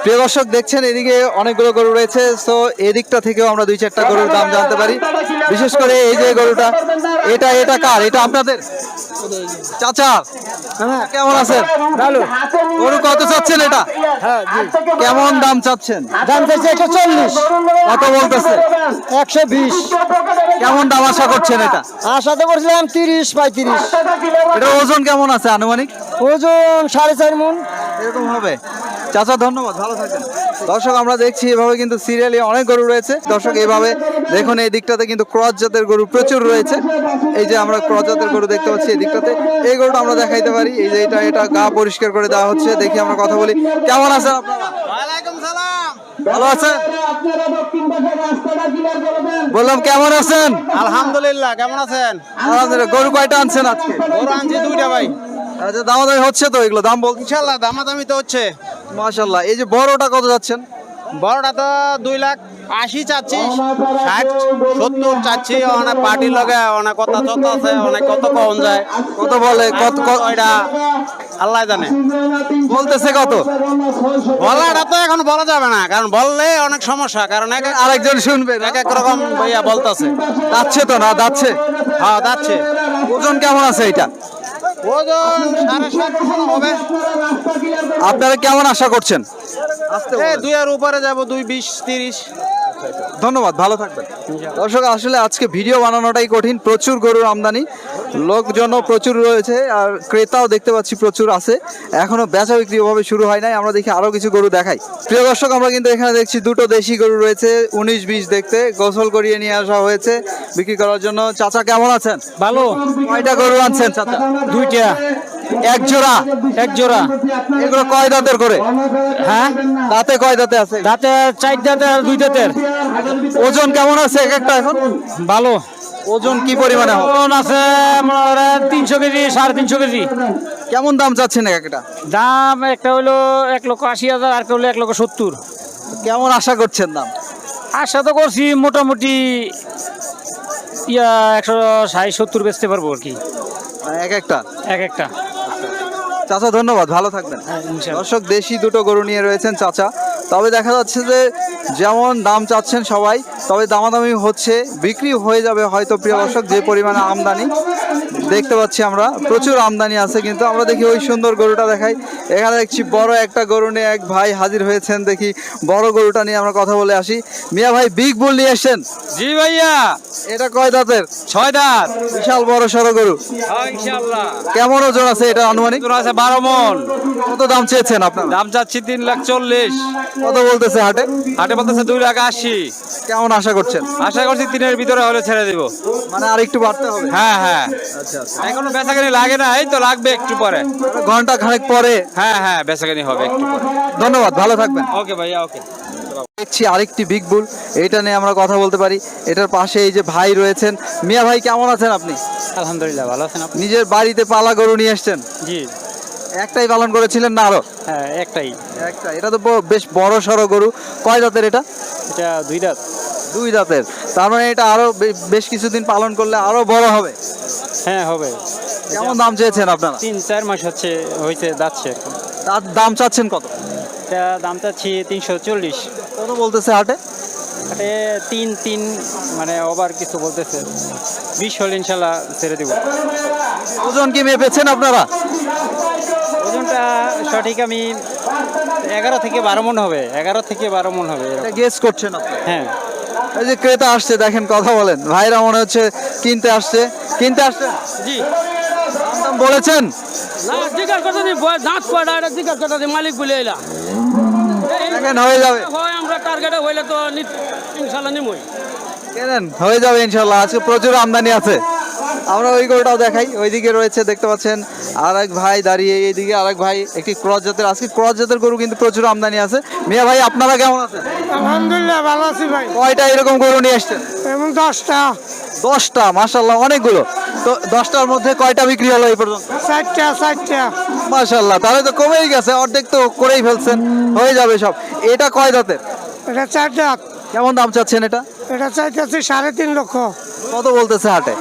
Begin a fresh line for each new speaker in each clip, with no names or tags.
প্রিয় দর্শক দেখছেন এদিকে অনেকগুলো গরু রয়েছে, তো এদিকটা থেকেও আমরা দুই চারটা গরুর দাম জানতে পারি। বিশেষ করে এই যে গরুটা, এটা কার? এটা আপনাদের চাচা? কেমন আছেন?
ভালো।
গরু কত চাচ্ছেন এটা? কেমন দাম চাচ্ছেন?
দাম চাইছে 140,
কত বলতেছে?
120।
কেমন দাম আশা করছেন এটা?
আশা তো করছিলাম 30-35।
এটার ওজন কেমন আছে আনুমানিক?
ওজন 4.5 মণ।
এরকম হবে। চাচা ধন্যবাদ, ভালো থাকেন। দর্শক আমরা দেখছি এভাবে কিন্তু সিরিয়ালি অনেক গরু রয়েছে। দর্শক এইভাবে দেখুন, এই দিকটাতে কিন্তু ক্রস জাতের গরু প্রচুর রয়েছে। এই যে আমরা ক্রস জাতের গরু দেখতে পাচ্ছি এই দিকটাতে, এই গরুটা আমরা দেখাইতে পারি। এই যে এটা গা পরিষ্কার করে দেওয়া হচ্ছে। দেখি আমরা কথা বলি। কেমন আছেন আপনারা?
ওয়ালাইকুম সালাম।
ভালো আছেন? বললাম কেমন আছেন?
আলহামদুলিল্লাহ, কেমন আছেন?
আলহামদুলিল্লাহ। গরু কয়টা আনছেন আজকে?
গরু আনছি 2টা ভাই।
আচ্ছা, দামাদামি হচ্ছে তো? এগুলো দাম বলছি।
ইনশাআল্লাহ দামাদামি তো হচ্ছে।
মাশাআল্লাহ। এই যে বড়টা কত যাচ্ছেন?
বড়টা তো 2,80,000 চাচ্ছি, 60-70 চাচ্ছি। অনেক পার্টি লগে অনেক কথা চলতে আছে, অনেক কত কম যায়।
কত বলে? কত
এটা আল্লাহ জানে।
বলতেছে কত?
বলাটা তো এখন বলা যাবে না, কারণ বললে অনেক সমস্যা। কারণ
আরেকজন শুনবে না?
এক এক রকম ভাইয়া বলতেছে।
যাচ্ছে তো না? যাচ্ছে।
হ্যাঁ যাচ্ছে।
ওজন কেমন আছে এটা?
ওজন 7.5 হবে।
আপনারা কেমন আশা করছেন?
এই 2 এর উপরে যাবো, 2,20-30।
ধন্যবাদ, ভালো থাকবেন। দর্শক আসলে আজকে ভিডিও বানানোটাই কঠিন, প্রচুর গরুর আমদানি, লোকজনও প্রচুর রয়েছে আর ক্রেতাও দেখতে পাচ্ছি প্রচুর আছে। এখনো বেচা বিক্রি ওভাবে শুরু হয় নাই। আমরা দেখি আরো কিছু গরু দেখাই। প্রিয় দর্শক আমরা কিন্তু এখানে দেখছি দুটো দেশি গরু রয়েছে, 19-20 দেখতে, গোসল করিয়ে নিয়ে আসা হয়েছে বিক্রি করার জন্য। চাচা কেমন আছেন?
ভালো।
কয়টা গরু আনছেন চাচা?
2টা।
এক জোড়া?
এক জোড়া।
এগুলো কয় দাঁতের করে?
হ্যাঁ,
দাঁতে কয় দাঁতে আছে?
দাঁতে 4 দাঁতের আর 2 দাঁতের।
ওজন কেমন আছে এক একটা এখন?
ভালো।
ওজন কি পরিমাণে হবে?
ওজন আছে আমার 300 কেজি, 350 কেজি।
কেমন দাম চাচ্ছেন এক একটা?
দাম একটা হলো 1,80,000, আর একটা হলো 1,70,000।
কেমন আশা করছেন দাম?
আশা তো করছি মোটামুটি 160-70 বেচতে পারবো আর কি,
এক একটা?
এক একটা।
চাচা ধন্যবাদ, ভালো থাকবেন।
ইনশাআল্লাহ।
দর্শক দেশি দুটো গরু নিয়ে রয়েছেন চাচা, তবে দেখা যাচ্ছে যে যেমন দাম চাচ্ছেন সবাই, তবে দামাদামি হচ্ছে, বিক্রি হয়ে যাবে হয়তো। প্রিয় দর্শক যে পরিমাণে আমদানি দেখতে পাচ্ছি আমরা, প্রচুর আমদানি আছে। কিন্তু আমরা দেখি ওই সুন্দর গরুটা দেখাই। এখানে দেখছি বড় একটা গরু নিয়ে এক ভাই হাজির হয়েছেন। দেখি বড় গরুটা নিয়ে আমরা কথা বলে আসি। মিয়া ভাই, বিগ বুল নিয়ে এসছেন?
জি ভাইয়া।
এটা কয় দাঁতের?
6 দাঁত।
বিশাল বড় সড়ো গরু।
ইনশাআল্লাহ।
কেমন ওজন আছে এটা আনুমানিক?
আছে 12 মণ।
কত দাম চেয়েছেন আপনার?
দাম চাচ্ছি 3,40,000।
কত বলতেছে হাটে?
হাটে বলতেছে 2,80,000।
কেমন আশা করছেন?
আশা করছি 3-এর ভিতরে হলে ছেড়ে দিব।
মানে আর একটু বাড়তে হবে?
হ্যাঁ হ্যাঁ।
আচ্ছা আচ্ছা।
এখনো বেচাকেনি লাগে না, এই তো লাগবে একটু পরে।
ঘন্টা খানেক পরে?
হ্যাঁ হ্যাঁ, বেচাকেনি হবে একটু পরে।
ধন্যবাদ, ভালো থাকবেন।
ওকে ভাইয়া, ওকে।
দেখছি আরেকটি বিগ বুল, এটা নিয়ে আমরা কথা বলতে পারি। এটার পাশে এই যে ভাই রয়েছেন। মিয়া ভাই কেমন আছেন আপনি?
আলহামদুলিল্লাহ, ভালো আছেন আপনি?
নিজের বাড়িতে পালা গরু নিয়ে এসছেন?
জি
একটাই পালন করেছিলেন না আরো?
হ্যাঁ, একটাই।
একটা। এটা তো বেশ বড় সড়ো গরু। কয় দাঁতের এটা?
এটা 2 দাঁত।
2 দাঁতের। তার মানে এটা আরো বেশ কিছুদিন পালন করলে আরো বড় হবে।
হ্যাঁ হবে।
কেমন দাম চেয়েছেন আপনারা?
3-4 মাস হয়েছে যাচ্ছে।
তার দাম চাচ্ছেন কত?
এটা দাম চাচ্ছি 340।
কত বলতেছে হাটে?
আরে 3 মানে ওভার কিছু বলতেছে। 20 হলে ইনশাল্লাহ ছেড়ে দিব।
ওজন কি মেপেছেন আপনারা?
ওজনটা সঠিক আমি 11 থেকে 12 মণ হবে। 11 থেকে 12 মণ হবে এরকম।
গেস করছেন আপনি?
হ্যাঁ।
এই যে ক্রেতা আসছে, দেখেন, কথা বলেন। ভাইরা মনে হচ্ছে কিনতে আসছে।
জি।
দাম বলেছেন?
না, জিজ্ঞাসা করতে দিই, দাঁত কয়টা এটা জিজ্ঞাসা করতে দিই, মালিক বলে এলা।
দেখেন হয়ে যাবে।
হয় আমরা টার্গেটে হইলে তো ইনশাল্লাহ নিমই।
কেনেন, হয়ে যাবে ইনশাল্লাহ। আজকে প্রচুর আমদানি আছে। আমরা ওই গরুটাও দেখাই। ওইদিকে রয়েছে, দেখতে পাচ্ছেন আর এক ভাই দাঁড়িয়ে, এইদিকে আর এক ভাই। একটি ক্রস জাতের, আজকে ক্রস জাতের গরু কিন্তু প্রচুর আমদানি আছে। মিয়া ভাই, আপনারা কেমন আছেন?
আলহামদুলিল্লাহ, ভালো আছি ভাই।
কয়টা এরকম গরু নিয়ে এসছেন?
এবং 10টা।
10টা? মাশাল্লাহ, অনেকগুলো। তো 10টার মধ্যে কয়টা বিক্রি হলো এই পর্যন্ত?
4টা।
মাশাল্লাহ, তাহলে তো কমেই গেছে, অর্ধেক তো করেই ফেলছেন, হয়ে যাবে সব। এটা কয় দাঁতের?
এটা 4 দাঁত।
কেমন দাম চাচ্ছেন এটা?
এটা চাইতেছি 3.5 লক্ষ।
কত বলতেছে হাটে?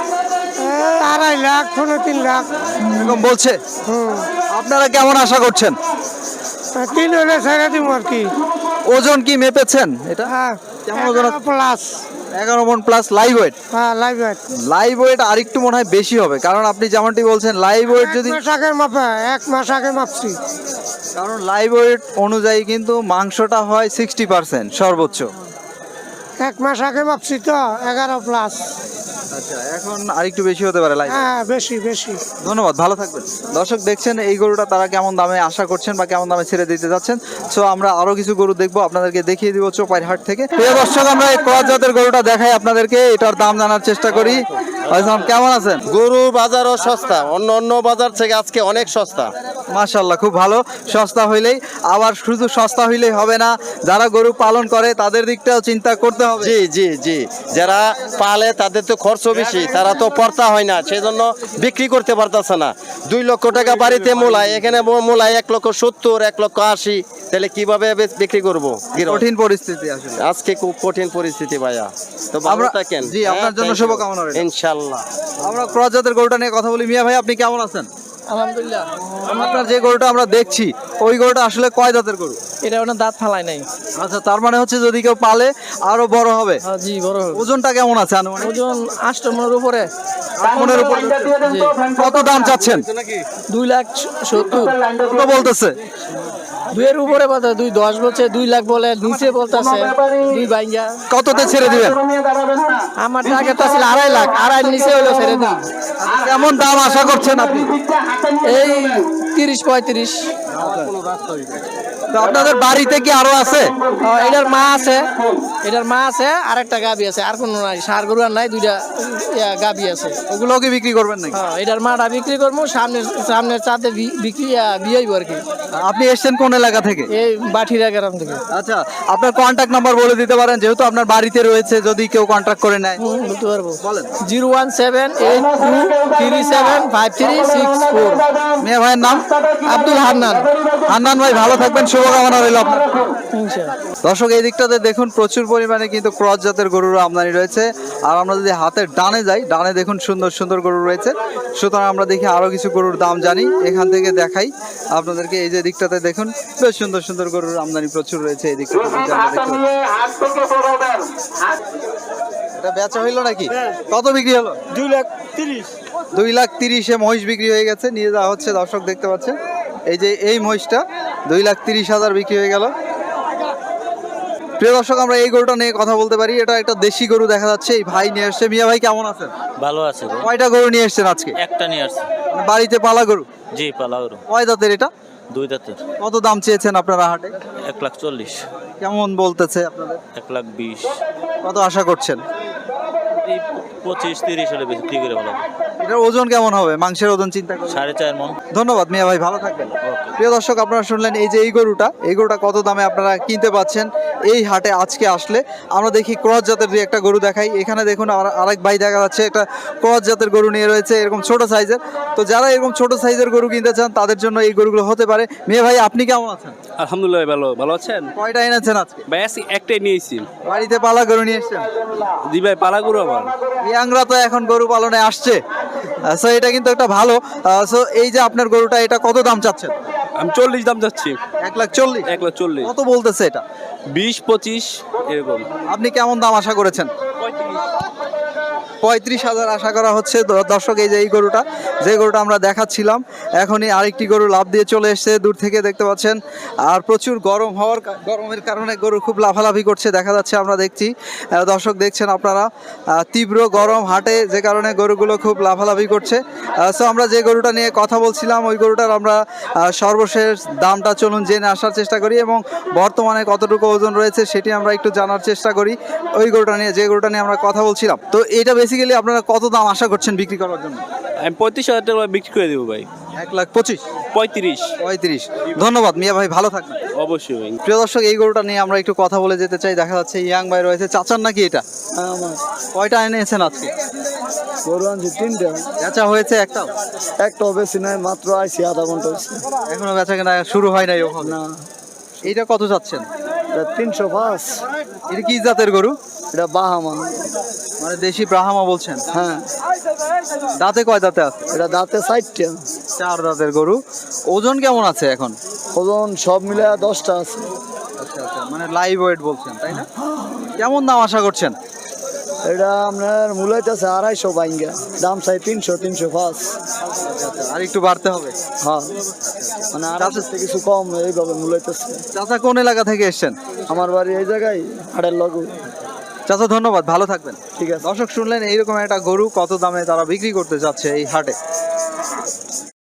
2.5 লাখ, 3 লাখ
এরকম বলছে। আপনারা কেমন আশা করছেন?
তিন হলে ছেড়ে দিব আর কি।
ওজন কি মেপেছেন এটা?
হ্যাঁ,
কেমন ওজন আছে?
প্লাস।
11 মণ প্লাস লাইভ ওয়েট।
হ্যাঁ, লাইভ ওয়েট।
লাইভ ওয়েট আরেকটু মনে হয় বেশি হবে, কারণ আপনি যেমনটি বলছেন লাইভ ওয়েট যদি,
এক মাস আগে মাপা, 1 মাস আগে মাপছি।
কারণ লাইভ ওয়েট অনুযায়ী কিন্তু মাংসটা হয় 60% সর্বোচ্চ।
1 মাস আগে মাপছি তো 11 প্লাস।
আচ্ছা, এখন আরেকটু বেশি হতে পারে লাইভ।
হ্যাঁ, বেশি বেশি।
ধন্যবাদ, ভালো থাকবেন। দর্শক দেখছেন এই গরুটা তারা কেমন দামে আশা করছেন বা কেমন দামে ছেড়ে দিতে যাচ্ছেন। সো আমরা আরো কিছু গরু দেখবো, আপনাদেরকে দেখিয়ে দিব চোপাইর হাট থেকে। প্রিয় দর্শক, আমরা এই ক্রস জাতের গরুটা দেখাই আপনাদেরকে, এটার দাম জানার চেষ্টা করি। আসসালাম, কেমন আছেন?
গরুর বাজারও সস্তা, অন্য অন্য বাজার থেকে আজকে অনেক সস্তা।
মাশাআল্লাহ, খুব ভালো। সস্তা হইলেই, আবার শুধু সস্তা হইলেই হবে না, যারা গরু পালন করে তাদের দিকটাও চিন্তা করতে হবে।
জি জি জি, যারা পালে তাদের তো খরচ বেশি, তারা তো পড়তা হয় না, সেই জন্য বিক্রি করতে পারতেছে না। 2 লক্ষ টাকা বাড়িতে মূলায়, এখানে মূলায় 1,70,000, 1,80,000, তাহলে কিভাবে বিক্রি করবো?
কঠিন পরিস্থিতি আসলে।
আজকে খুব কঠিন পরিস্থিতি ভাইয়া। তো ভালো
আমরা-
থাকেন।
জি, আপনার জন্য শুভকামনা রইল।
ইনশাআল্লাহ।
আমরা ক্রস জাতের গরুটা নিয়ে কথা বলি। মিয়া ভাই, আপনি কেমন আছেন?
আলহামদুলিল্লাহ।
আপনার যে গরুটা আমরা দেখছি, ওই গরুটা আসলে কয় জাতের গরু?
এটা ওনার দাঁত ফালাই নাই।
আচ্ছা, তার মানে হচ্ছে যদি কেউ পালে আরো বড় হবে।
জি, বড় হবে।
ওজনটা কেমন আছে আনুমানিক?
ওজন 8 মনের উপরে।
মনের উপর।
জি।
কত দাম চাচ্ছেন?
2,70,000।
কত বলতেছে?
2 এর উপরে বলতে 2,10 বলছে, 2 লাখ বলে, নিচে বলতেছে 2 বাইঙ্গা।
কততে ছেড়ে দিবেন?
আমার টার্গেট ছিল 2.5 লাখ, 2.5 নিচে হলো ছেড়ে দিই।
কেমন দাম আশা করছেন আপনি?
এই 30-35।
তো আপনাদের বাড়িতে কি আরো আছে?
এটার মা আছে, এটার মা আছে, আর একটা গাবি আছে, আর কোনো নাই, সার গরু আর নাই, 2টা গাবি আছে।
ওগুলো কি বিক্রি করবেন নাকি?
এটার মাটা বিক্রি করবো, সামনের চাঁদে বিক্রি বিয়েই আর কি।
আপনি এসেছেন কোন এলাকা থেকে?
এই বাঠিরা গ্রাম থেকে।
আচ্ছা, আপনার কন্ট্যাক্ট নাম্বার বলে দিতে পারেন, যেহেতু আপনার বাড়িতে রয়েছে, যদি কেউ কন্ট্যাক্ট করে নেয়।
বলতে পারবো।
বলেন।
01782375364।
মিয়া ভাইয়ের নাম?
আব্দুল হান্নান।
হান্নান ভাই, ভালো থাকবেন, শুভকামনা রইল আপনার।
ইনশাআল্লাহ।
দর্শক, এই দিকটাতে দেখুন প্রচুর পরিমাণে কিন্তু ক্রস জাতের গরুর আমদানি রয়েছে। আর আমরা যদি হাতের ডানে যাই, ডানে দেখুন সুন্দর সুন্দর গরু রয়েছে। সুতরাং আমরা দেখি আরো কিছু গরুর দাম জানি, এখান থেকে দেখাই আপনাদেরকে। এই যে দিকটাতে দেখুন বেশ সুন্দর সুন্দর গরুর আমদানি প্রচুর রয়েছে এই দিকটাতে, যদি আমরা দেখতে পাই। এটা বেচা হইলো নাকি? কত বিক্রি হলো?
2,30,000।
2,30,000-এ মহিষ বিক্রি হয়ে গেছে, নিয়ে যাওয়া হচ্ছে। দর্শক দেখতে পাচ্ছেন, এই যে এই মহিষটা 2,30,000 বিক্রি হয়ে গেল। প্রিয় দর্শক, আমরা এই গরুটা নিয়ে কথা বলতে পারি। এটা একটা দেশি গরু দেখা যাচ্ছে, এই ভাই নিয়ে আসছে। মিয়া ভাই, কেমন আছেন?
ভালো আছে গো।
কয়টা গরু নিয়ে এসছেন আজকে?
একটা নিয়ে আসছে।
বাড়িতে পালা গরু?
জি, পালাউরো।
কয় দাঁতের এটা?
2 দাঁতের।
কত দাম চেয়েছেন আপনারা হাটে?
1,40,000।
কেমন বলতেছে আপনাদের?
1,20,000।
কত আশা করছেন?
এই 25-30 হলে বিক্রি করে ভালো হবে।
এটার ওজন কেমন হবে? মাংসের ওজন চিন্তা করুন।
4.5 মণ।
ধন্যবাদ মিয়া ভাই, ভালো থাকবেন। প্রিয় দর্শক, আপনারা শুনলেন এই যে এই গরুটা কত দামে আপনারা কিনতে পাচ্ছেন এই হাটে আজকে আসলে। আমরা দেখি ক্রস জাতের দুই একটা গরু দেখাই। এখানে দেখুন আরেক ভাই দেখা যাচ্ছে একটা ক্রস জাতের গরু নিয়ে রয়েছে, এরকম ছোট সাইজের। তো যারা এরকম ছোট সাইজের গরু কিনতে চান তাদের জন্য এই গরুগুলো হতে পারে। মিয়া ভাই, আপনি কেমন আছেন?
আলহামদুলিল্লাহ, ভালো আছেন?
কয়টা এনেছেন আজকে?
ভাই আজকে একটাই নিয়েছি।
বাড়িতে পালা গরু নিয়ে এসছেন?
জি ভাই, পালা গরু আমার।
ইয়াংরা তো এখন গরু পালনে আসছে, সো এটা কিন্তু একটা ভালো। সো এই যে আপনার গরুটা, এটা কত দাম চাচ্ছেন?
আমি 40 দাম যাচ্ছি।
1,40,000?
1,40,000।
কত বলতেছে এটা?
20-25 এরকম।
আপনি কেমন দাম আশা করেছেন? 35,000 আশা করা হচ্ছে। দর্শক, এই যে এই গরুটা, যে গরুটা আমরা দেখাচ্ছিলাম, এখনই আরেকটি গরু লাফ দিয়ে চলে এসেছে, দূর থেকে দেখতে পাচ্ছেন। আর প্রচুর গরমের কারণে গরু খুব লাফালাফি করছে দেখা যাচ্ছে, আমরা দেখছি। দর্শক দেখছেন আপনারা, তীব্র গরম হাটে, যে কারণে গরুগুলো খুব লাফালাফি করছে। সো আমরা যে গরুটা নিয়ে কথা বলছিলাম, ওই গরুটার আমরা সর্বশেষ দামটা চলুন জেনে আসার চেষ্টা করি, এবং বর্তমানে কতটুকু ওজন রয়েছে সেটি আমরা একটু জানার চেষ্টা করি ওই গরুটা নিয়ে, যে গরুটা নিয়ে আমরা কথা বলছিলাম। তো এটা বেসিক্যালি আপনারা কত দাম আশা করছেন বিক্রি করার জন্য?
আমি 35,000 টাকা বিক্রি করে দেবো ভাই।
1,25,000?
35।
ধন্যবাদ মিয়া ভাই, ভালো থাকবেন।
অবশ্যই ভাই।
প্রিয় দর্শক, এই গরুটা নিয়ে আমরা একটু কথা বলে যেতে চাই। দেখা যাচ্ছে ইয়াং ভাই রয়েছে। চাচার নাকি এটা?
আমার
কয়টা এনেছেন আজকে?
গরু আনছি 3টা।
বেচা হয়েছে একটাও?
একটাও বেশি নাই, মাত্র আইছি আধা ঘন্টা হয়েছে।
এখনো বেচা কেনা শুরু হয় নাই ওখানে?
না,
এইটা কত চাচ্ছেন?
এটা 305।
এটা কি জাতের গরু?
এটা বাহামা।
মানে দেশি ব্রাহ্মা বলছেন?
হ্যাঁ,
দাঁতে কয় দাঁতে আছে?
এটা দাঁতে 4টা।
4 দাঁতের গরু। ওজন কেমন আছে এখন?
ওজন সব মিলে 10টা আছে।
আচ্ছা আচ্ছা, মানে লাইভ ওয়েট বলছেন তাই না? কেমন দাম আশা করছেন?
এটা আপনার মূলাইতেছে 250 বাইঙ্গা, দাম চাই 300, 305।
আর একটু বাড়তে হবে।
হ্যাঁ, মানে 250 থেকে কিছু কম এইভাবে মূলাইতেছে।
চাচা কোন এলাকা থেকে এসেছেন?
আমার বাড়ি এই জায়গায় হাটের লগু।
চাচা ধন্যবাদ, ভালো থাকবেন।
ঠিক আছে।
দর্শক শুনলেন এইরকম একটা গরু কত দামে তারা বিক্রি করতে যাচ্ছে এই হাটে।